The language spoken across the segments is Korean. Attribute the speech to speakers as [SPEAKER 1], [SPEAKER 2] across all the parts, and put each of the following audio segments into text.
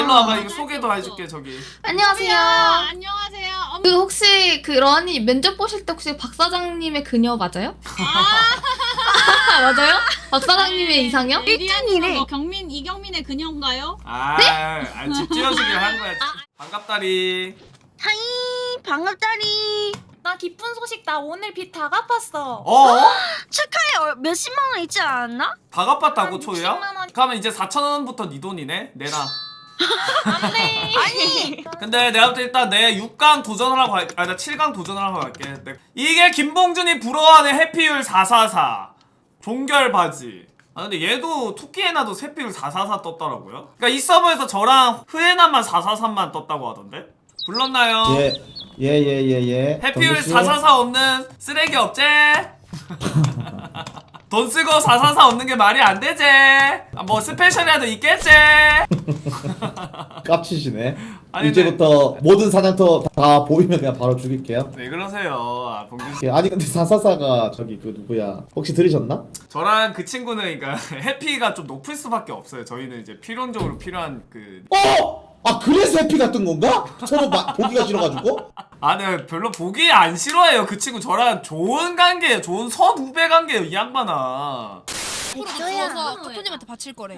[SPEAKER 1] 일로 와봐. 이거 소개도 해줄게 저기.
[SPEAKER 2] 안녕하세요.
[SPEAKER 3] 안녕하세요.
[SPEAKER 2] 그 혹시 그 러니 면접 보실 때 혹시 박 사장님의 그녀 맞아요? 맞아요? 박 사장님의 이상형?
[SPEAKER 3] 1등이네. 경민 이경민의 그녀인가요?
[SPEAKER 1] 집 지어주길 한 거야. 반갑다리.
[SPEAKER 4] 하이 반갑다리.
[SPEAKER 5] 나 기쁜 소식 나 오늘 빚 다 갚았어.
[SPEAKER 4] 축하해. 몇십만 원 있지 않았나?
[SPEAKER 1] 다 갚았다고
[SPEAKER 5] 한
[SPEAKER 1] 초이야?
[SPEAKER 5] 60만 원.
[SPEAKER 1] 그러면 이제 4,000원부터 네 돈이네. 내놔.
[SPEAKER 5] 안돼.
[SPEAKER 4] 아니
[SPEAKER 1] 근데 내가 볼 때 일단 내 6강 도전하라고 할게. 나 7강 도전하라고 할게. 이게 김봉준이 부러워하는 해피율 444 종결 바지. 근데 얘도 토끼에나도 해피율 444 떴더라고요. 그러니까 이 서버에서 저랑 흐에나만 443만 떴다고 하던데? 불렀나요?
[SPEAKER 6] 예.
[SPEAKER 1] 해피율 444 없는 쓰레기 없제? 돈 쓰고 444 없는 게 말이 안 되제? 뭐 스페셜이라도 있겠제?
[SPEAKER 6] 깝치시네.
[SPEAKER 1] 아니,
[SPEAKER 6] 이제부터 모든 사냥터 다 보이면 그냥 바로 죽일게요.
[SPEAKER 1] 왜 그러세요? 봉준씨.
[SPEAKER 6] 아니 근데 사사사가 저기 그 누구야? 혹시 들으셨나?
[SPEAKER 1] 저랑 그 친구는 그러니까 해피가 좀 높을 수밖에 없어요. 저희는 이제 필연적으로 필요한 그
[SPEAKER 6] 아 그래서 해피 같은 건가? 서로 보기가 싫어가지고?
[SPEAKER 1] 네 별로 보기 안 싫어해요. 그 친구 저랑 좋은 관계예요. 좋은 선후배 관계예요. 이 양반아.
[SPEAKER 4] 백조야.
[SPEAKER 3] 코토님한테 바칠 거래.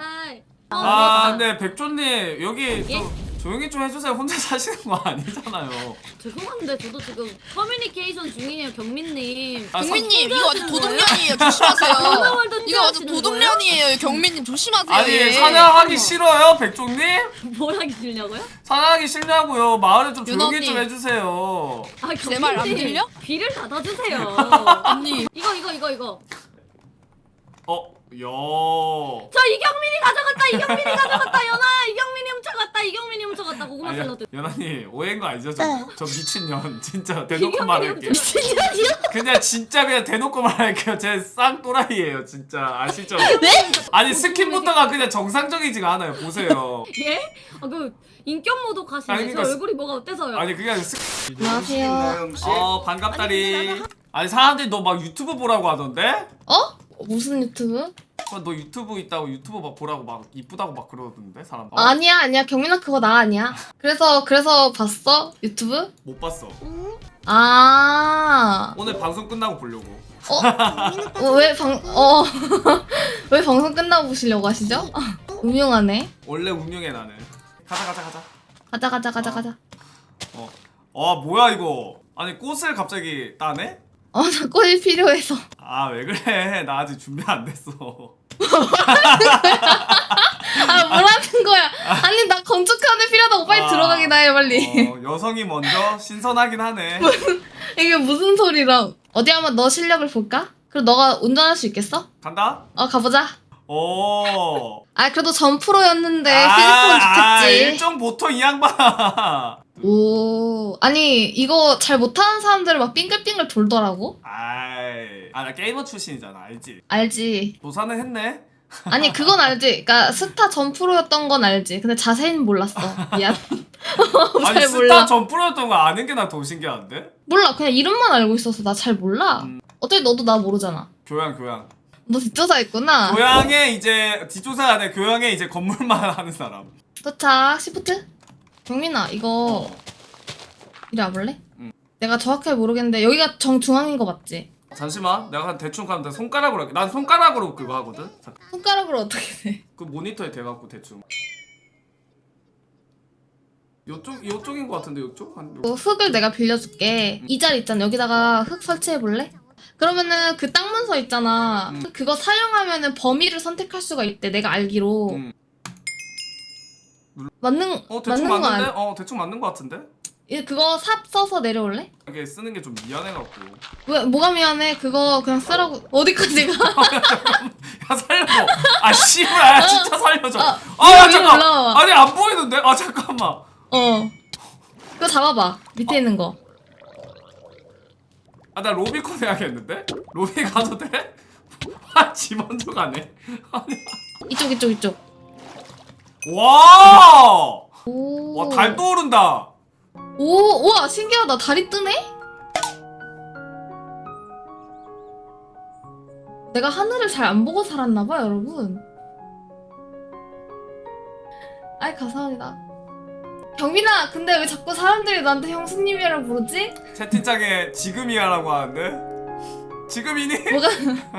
[SPEAKER 1] 근데 백조님 여기 좀 조용히 좀 해주세요. 혼자 사시는 거 아니잖아요.
[SPEAKER 7] 죄송한데 저도 지금 커뮤니케이션 중이에요, 경민님.
[SPEAKER 3] 경민님 이거 완전 도둑년이에요. 조심하세요. 이거 완전 도둑년이에요. 경민님 조심하세요.
[SPEAKER 1] 아니 사냥하기 싫어요, 백조님?
[SPEAKER 7] 뭘 하기 싫냐고요?
[SPEAKER 1] 사냥하기 싫냐고요. 마을에 좀 조용히
[SPEAKER 3] 윤언니.
[SPEAKER 1] 좀 해주세요.
[SPEAKER 7] 아,
[SPEAKER 3] 내 말 안
[SPEAKER 7] 경민님,
[SPEAKER 3] 들려?
[SPEAKER 7] 귀를 닫아주세요.
[SPEAKER 3] 언니.
[SPEAKER 7] 이거.
[SPEAKER 1] 야.
[SPEAKER 7] 저 이경민이 가져갔다, 연아. 이경민이 훔쳐갔다. 고구마 샐러드.
[SPEAKER 1] 연아님 오해인 거 아니죠? 저 미친년 진짜 대놓고
[SPEAKER 7] 이경민이
[SPEAKER 1] 말할게요. 그냥 진짜 그냥 대놓고 말할게요. 제 쌍또라이예요 진짜. 아시죠? 네? 아니 스킨부터가 그냥 정상적이지가 않아요. 보세요.
[SPEAKER 7] 예? 그 인격 모드 가시네.
[SPEAKER 1] 아니,
[SPEAKER 7] 저
[SPEAKER 1] 그러니까
[SPEAKER 7] 얼굴이 뭐가 어때서요?
[SPEAKER 1] 아니 그게 아니라
[SPEAKER 2] 안녕하세요.
[SPEAKER 1] 반갑다리. 아니 사람들이 너 막 유튜브 보라고 하던데?
[SPEAKER 2] 무슨 유튜브?
[SPEAKER 1] 너 유튜브 있다고 유튜브 막 보라고 막 이쁘다고 막 그러던데 사람.
[SPEAKER 2] 아니야. 경민아 그거 나 아니야. 그래서 봤어? 유튜브?
[SPEAKER 1] 못 봤어. 오늘 방송 끝나고 보려고.
[SPEAKER 2] 왜 방송 끝나고 보시려고 하시죠? 음흉하네.
[SPEAKER 1] 원래 운영해 나는. 가자.
[SPEAKER 2] 가자.
[SPEAKER 1] 뭐야 이거. 아니 꽃을 갑자기 따네?
[SPEAKER 2] 나 꽃이 필요해서.
[SPEAKER 1] 왜 그래. 나 아직 준비 안 됐어.
[SPEAKER 2] 뭐라는 거야? 아니 나 건축하는 필요하다고 빨리 들어가긴 해 빨리.
[SPEAKER 1] 여성이 먼저 신선하긴 하네.
[SPEAKER 2] 이게 무슨 소리라? 어디 한번 너 실력을 볼까? 그럼 너가 운전할 수 있겠어?
[SPEAKER 1] 간다?
[SPEAKER 2] 가보자.
[SPEAKER 1] 오.
[SPEAKER 2] 그래도 전 프로였는데 피지컬은 좋겠지.
[SPEAKER 1] 일종 보통 이 양반.
[SPEAKER 2] 오, 아니 이거 잘 못하는 사람들은 막 빙글빙글 돌더라고.
[SPEAKER 1] 나 게이머 출신이잖아. 알지?
[SPEAKER 2] 알지.
[SPEAKER 1] 도사는 했네.
[SPEAKER 2] 아니 그건 알지. 그러니까 스타 전 프로였던 건 알지. 근데 자세히는 몰랐어. 미안.
[SPEAKER 1] 아니
[SPEAKER 2] 잘
[SPEAKER 1] 스타
[SPEAKER 2] 몰라.
[SPEAKER 1] 전 프로였던 거 아는 게 나 더 신기한데?
[SPEAKER 2] 몰라. 그냥 이름만 알고 있어서 나 잘 몰라. 어차피 너도 나 모르잖아.
[SPEAKER 1] 교양.
[SPEAKER 2] 너 뒷조사했구나.
[SPEAKER 1] 교양에 이제 뒷조사 안에 교양에 이제 건물만 하는 사람.
[SPEAKER 2] 도착. 시프트. 경민아 이거 이리 와볼래? 내가 정확하게 모르겠는데 여기가 정중앙인 거 맞지?
[SPEAKER 1] 잠시만. 내가 대충 가면 돼. 손가락으로 할게. 난 손가락으로 그거 하거든. 잠깐.
[SPEAKER 2] 손가락으로 어떻게 돼?
[SPEAKER 1] 그 모니터에 대갖고 대충. 요쪽인 거 같은데 요쪽?
[SPEAKER 2] 흙을 내가 빌려줄게. 이 자리 있잖아. 여기다가 흙 설치해볼래? 그러면은 그 땅 문서 있잖아. 그거 사용하면은 범위를 선택할 수가 있대. 내가 알기로. 맞는
[SPEAKER 1] 대충
[SPEAKER 2] 거
[SPEAKER 1] 맞는데?
[SPEAKER 2] 아니?
[SPEAKER 1] 대충 맞는 거 같은데?
[SPEAKER 2] 그거 삽 써서 내려올래?
[SPEAKER 1] 이게 쓰는 게 좀 미안해갖고.
[SPEAKER 2] 왜 뭐가 미안해? 그거 그냥 쓰라고. 어디까지 가?
[SPEAKER 1] 야 살려줘. 씨발 진짜 살려줘. 야
[SPEAKER 2] 위로
[SPEAKER 1] 잠깐.
[SPEAKER 2] 올라와.
[SPEAKER 1] 아니 안 보이는데? 잠깐만.
[SPEAKER 2] 그거 잡아봐. 밑에 있는 거.
[SPEAKER 1] 나 로비콘 해야겠는데? 로비 가도 돼? 지 먼저 가네.
[SPEAKER 2] 이쪽.
[SPEAKER 1] 와!
[SPEAKER 2] 오.
[SPEAKER 1] 와, 달 떠오른다.
[SPEAKER 2] 우와, 신기하다. 달이 뜨네? 내가 하늘을 잘 안 보고 살았나봐, 여러분. 아이 감사합니다. 경민아, 근데 왜 자꾸 사람들이 나한테 형수님이라고 부르지?
[SPEAKER 1] 채팅창에 지금이야라고 하는데 지금이니?
[SPEAKER 2] 뭐가?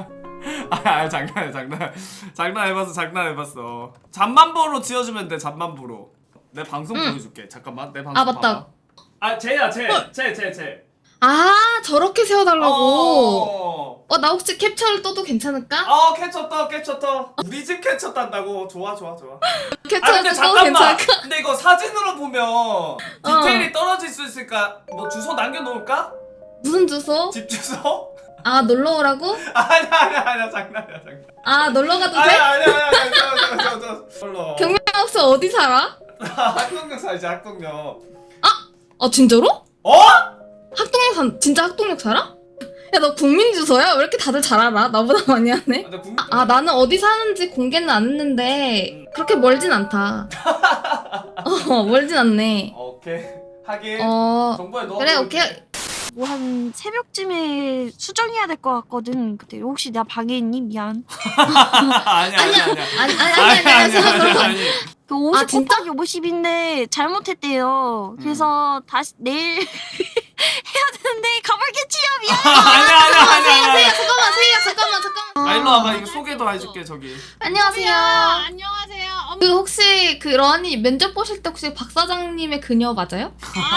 [SPEAKER 1] 장난해봤어. 잠만보로 지어주면 돼. 잠만보로. 내 방송 보여줄게. 잠깐만 내 방송.
[SPEAKER 2] 아, 맞다.
[SPEAKER 1] 봐봐. 아 쟤야 쟤.
[SPEAKER 2] 아, 저렇게 세워달라고. 나 혹시 캡처를 떠도 괜찮을까?
[SPEAKER 1] 캐쳐 떠. 우리 집 캐쳐 딴다고. 좋아.
[SPEAKER 2] 캡처를 떠도 괜찮을까?
[SPEAKER 1] 근데 이거 사진으로 보면 디테일이 떨어질 수 있으니까 뭐 주소 남겨놓을까?
[SPEAKER 2] 무슨 주소?
[SPEAKER 1] 집 주소?
[SPEAKER 2] 아, 놀러 오라고?
[SPEAKER 1] 아니야 장난이야.
[SPEAKER 2] 아, 놀러 가도 돼?
[SPEAKER 1] 아니야. 저.
[SPEAKER 2] 경민아 혹시 어디 살아?
[SPEAKER 1] 학동역 살지 학동역.
[SPEAKER 2] 아, 진짜로?
[SPEAKER 1] 어?
[SPEAKER 2] 진짜 학동역 살아? 야, 너 국민 주소야? 왜 이렇게 다들 잘 알아? 나보다 많이 하네. 아, 나는 어디 사는지 공개는 안 했는데 그렇게 멀진 않다. 멀진 않네.
[SPEAKER 1] 오케이. 하긴. 정보에 넣어.
[SPEAKER 2] 그래, 오케이.
[SPEAKER 4] 뭐 한 새벽쯤에 수정해야 될 것 같거든. 그때 혹시 나 방에 있니? 미안.
[SPEAKER 1] 아니야.
[SPEAKER 2] 아니.
[SPEAKER 4] 그 50
[SPEAKER 2] 진짜?
[SPEAKER 4] 곱하기 50인데 잘못했대요. 그래서 다시 내일 해야 되는데 가볼게지요. 미안.
[SPEAKER 1] 아니야.
[SPEAKER 2] 잠깐만.
[SPEAKER 1] 일로 와봐. 이거 소개도 해줄게 저기.
[SPEAKER 2] 안녕하세요.
[SPEAKER 7] 안녕하세요.
[SPEAKER 2] 그 혹시 그 러니 면접 보실 때 혹시 박 사장님의 그녀 맞아요?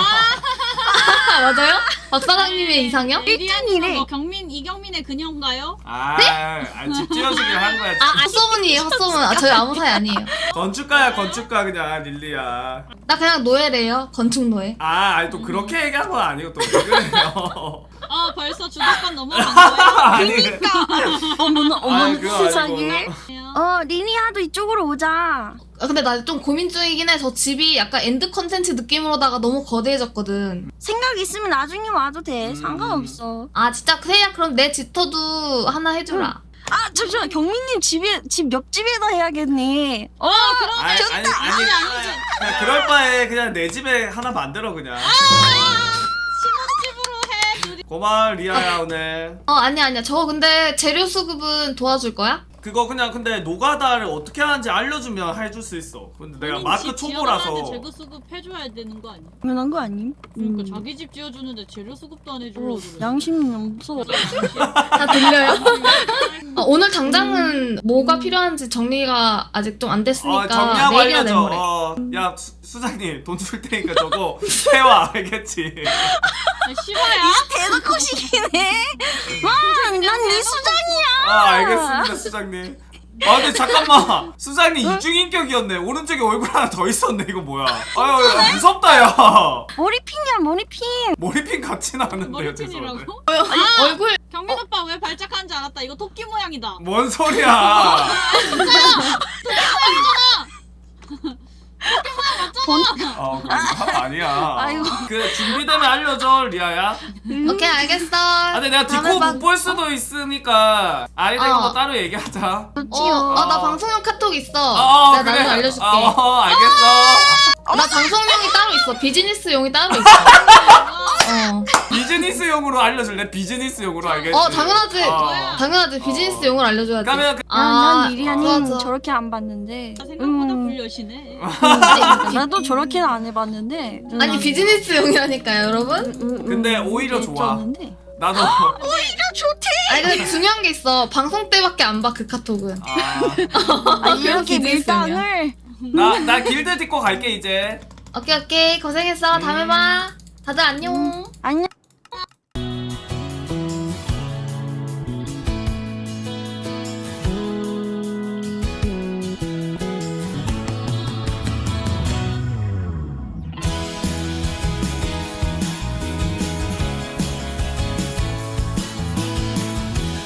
[SPEAKER 2] 맞아요? 박 사장님의 이상형?
[SPEAKER 4] 일등이래.
[SPEAKER 7] 뭐 이경민의 그녀인가요?
[SPEAKER 1] 집 지어주길 한 거야.
[SPEAKER 2] 헛소문이에요, 헛소문. 저희 아무 사이 아니에요.
[SPEAKER 1] 건축가 그냥 릴리야.
[SPEAKER 2] 나 그냥 노예래요. 건축 노예.
[SPEAKER 1] 아니 또 그렇게 얘기한 건 아니고 또 왜 그래요?
[SPEAKER 7] 벌써 주도권 넘어간 거예요?
[SPEAKER 1] 아니.
[SPEAKER 4] 어머나
[SPEAKER 1] 그거
[SPEAKER 4] 세상에.
[SPEAKER 1] 아니고.
[SPEAKER 4] 리니아도 이쪽으로 오자.
[SPEAKER 2] 근데 나 좀 고민 중이긴 해. 저 집이 약간 엔드 컨텐츠 느낌으로다가 너무 거대해졌거든.
[SPEAKER 4] 생각 있으면 나중에 와도 돼. 상관없어.
[SPEAKER 2] 아, 진짜 세야 그럼 내 지터도 하나 해주라.
[SPEAKER 4] 잠시만, 경민님 집 옆집에다 해야겠네.
[SPEAKER 1] 아니 그냥 그럴 바에 그냥 내 집에 하나 만들어 그냥.
[SPEAKER 7] 신혼집으로 해.
[SPEAKER 1] 고마워 리아야 오늘.
[SPEAKER 2] 아니야. 저 근데 재료 수급은 도와줄 거야?
[SPEAKER 1] 그거 그냥 근데 노가다를 어떻게 하는지 알려주면 해줄 수 있어. 근데 내가 마크 초보라서.
[SPEAKER 7] 재료 수급 해줘야 되는 거 아니야?
[SPEAKER 4] 당연한 거 아님?
[SPEAKER 7] 그러니까 자기 집 지어주는데 재료 수급도 안 해주려고 그래.
[SPEAKER 4] 양심이 없어.
[SPEAKER 2] 다 들려요? 오늘 당장은 뭐가 필요한지 정리가 아직 좀 안 됐으니까
[SPEAKER 1] 정리하고
[SPEAKER 2] 내일이나
[SPEAKER 1] 알려줘.
[SPEAKER 2] 내모레.
[SPEAKER 1] 야 수장님 돈 줄 테니까 저거 해와 알겠지?
[SPEAKER 7] 싫어야?
[SPEAKER 4] 대놓고 시키네. 와, 난 네 수장이야.
[SPEAKER 1] 알겠습니다 수장님. 근데 잠깐만 수장님 이중인격이었네. 오른쪽에 얼굴 하나 더 있었네. 이거 뭐야? 무섭다 야.
[SPEAKER 4] 머리핀이야, 머리핀.
[SPEAKER 1] 머리핀 같이 나왔는데요. 죄송한데.
[SPEAKER 7] 머리핀이라고?
[SPEAKER 2] 얼굴
[SPEAKER 7] 경민 오빠 왜 발작하는지 알았다. 이거 토끼 모양이다.
[SPEAKER 1] 뭔 소리야? 아니야.
[SPEAKER 4] 아이고.
[SPEAKER 1] 그 준비되면 알려줘 리아야.
[SPEAKER 2] 오케이, 알겠어.
[SPEAKER 1] 근데 내가 디코 못 볼 수도 있으니까 아이가 이거 뭐 따로 얘기하자.
[SPEAKER 4] 그렇지요.
[SPEAKER 2] 나 방송용 카톡 있어. 내가 나중에 알려줄게.
[SPEAKER 1] 알겠어.
[SPEAKER 2] 나 방송용이 따로 있어. 비즈니스용이 따로 있어.
[SPEAKER 1] 비즈니스용으로 알려줄래? 비즈니스용으로 알겠지?
[SPEAKER 2] 당연하지. 당연하지. 비즈니스용을 알려줘야지.
[SPEAKER 1] 그러면
[SPEAKER 4] 난 리리아님
[SPEAKER 2] 맞아.
[SPEAKER 4] 저렇게 안 봤는데.
[SPEAKER 7] 생각보다 불려시네.
[SPEAKER 4] 나도 저렇게는 안 해봤는데.
[SPEAKER 2] 아니, 비즈니스용이라니까요, 여러분.
[SPEAKER 1] 근데 오히려 좋아.
[SPEAKER 4] 있었는데.
[SPEAKER 1] 나도
[SPEAKER 4] 오히려 좋대.
[SPEAKER 2] 아니, 근데 중요한 게 있어. 방송 때밖에 안 봐, 그 카톡은.
[SPEAKER 4] 이렇게
[SPEAKER 2] 비즈니스용이야.
[SPEAKER 4] 밀당을.
[SPEAKER 1] 나 길드 딛고 갈게 이제.
[SPEAKER 2] 오케이. 고생했어. 다음에 봐. 다들 안녕.
[SPEAKER 4] 안녕.